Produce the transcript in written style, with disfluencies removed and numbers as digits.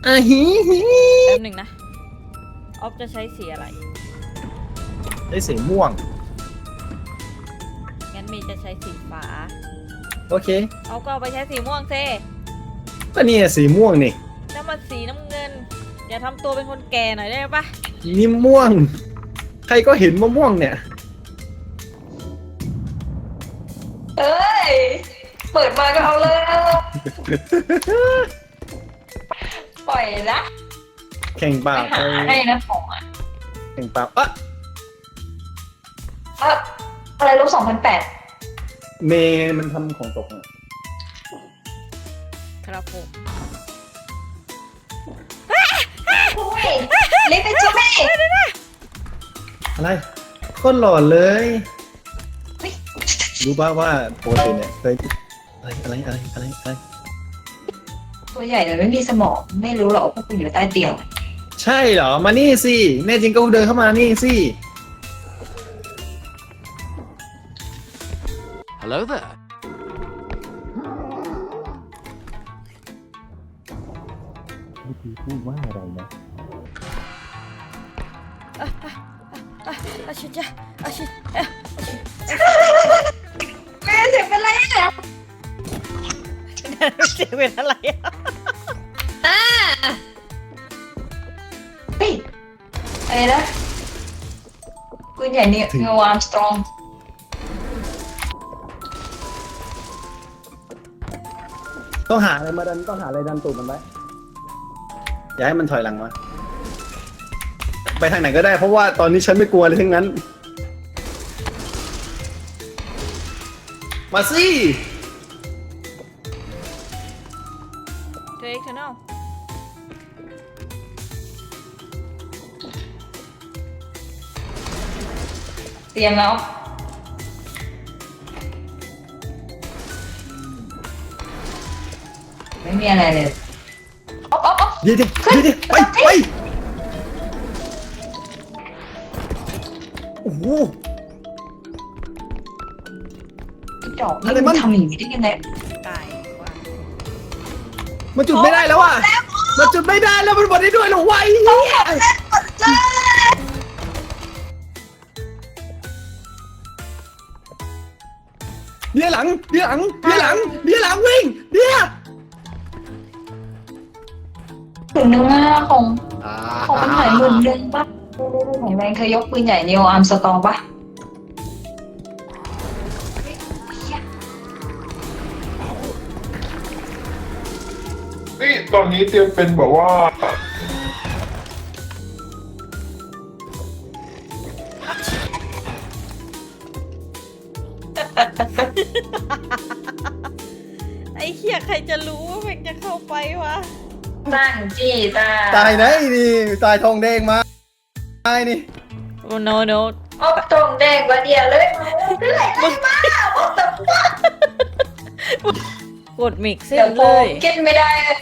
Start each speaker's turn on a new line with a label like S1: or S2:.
S1: อ่ะฮีฮี
S2: แป๊บหนึ่งนะออฟจะใช้สีอะไร
S1: ได้สีม่วง
S2: งั้นมีจะใช้สีฟ้า
S1: โอเค
S2: เอาก็เอาไปใช้สีม่วงเซ
S1: ก็นี่สีม่วงนี่
S2: น้ำมันสีน้ำเงิน อย่าทำตัวเป็นคนแก่หน่อยได้ปะ
S1: นี่ม่วง ใครก็เห็นมะม่วงเนี่ย
S3: เอ้ย เปิดมาก็เอาเลยปล่อยนะ
S1: แข่งเปล่า
S3: ไปหาให้นะของอ่ะ
S1: แข่งเปล่าอ่ะ
S3: อะไรลบ2008
S1: เมย์มันทำของตกอ่ะ
S2: ครับผม
S3: โอ้ยเล็กเป็นใช่ไหม
S1: อะไรโคตรหล่อเลย
S3: เฮ้ย
S1: รู้ป่าวว่าโปรตีนเนี่ยเคยอะไร
S3: ตัวใหญ่เลยไม่มีสมองไม่รู้หรอกว่าคุณอยู่ใต้เตียง
S1: ใช่เหรอ มานี่สิ แน่จริงก็เดินเข้ามานี่สิ
S4: Hello there.
S1: พูดว่าอะไรนะ
S2: อาชิจ้ะอาชิเอ๊ะ
S3: แม่เสียงเป็นไรอ่ะ
S2: เสียงเป็นอะไรอะ
S3: เฮ้ยอะไรนะคุณใหญ่เนี่ยเงาอาร์มสตรอง
S1: ต้องหาอะไรมาดันต้องหาอะไรดันตูดมันไว้อย่าให้มันถอยหลังมาไปทางไหนก็ได้เพราะว่าตอนนี้ฉันไม่กลัวเลยทั้งนั้น มาสิ
S2: เทคชั่นอล
S3: เตรียมแล้วไม่มีอะไรเลยอ๊อฟ
S1: เดี๋ยวไปโอ้โห
S3: ดอกนี่มันทำอย่างนี้ได้ยังไง
S2: ตายว่า
S1: มันจุดไม่ได้แล้วอ่ะมันจุดไม่ได้แล้วมันหมดได้ด้วยเหรอวะไอ้เหี้ยเดี๋ยวหลังวิ่งเดี๋ยว
S3: ถึงนึงอ่ะของเป็นหอยหมื่นนึงปะไหนแมงเคยยกปืนใหญ่นิวอาร์มสตรองปะ
S5: นี่ตอนนี้เตรียมเป็นแบบว่า
S2: ไอ้เหี้ยใครจะรู้ว่ามันจะเข้าไปวะ
S3: นั่งจี้ตา
S1: ตายไหนนี่ตายทองแดงมาตายนี่
S2: โอ้โนโน
S3: เอาตรงแดงกว่าเดียวเลยเรื่อยเลยมาบอกแต่ว่าก
S2: ดมิกซ์
S3: เดี๋ยว
S2: เล
S3: ผม
S2: ย
S3: กินไม่ได้เลย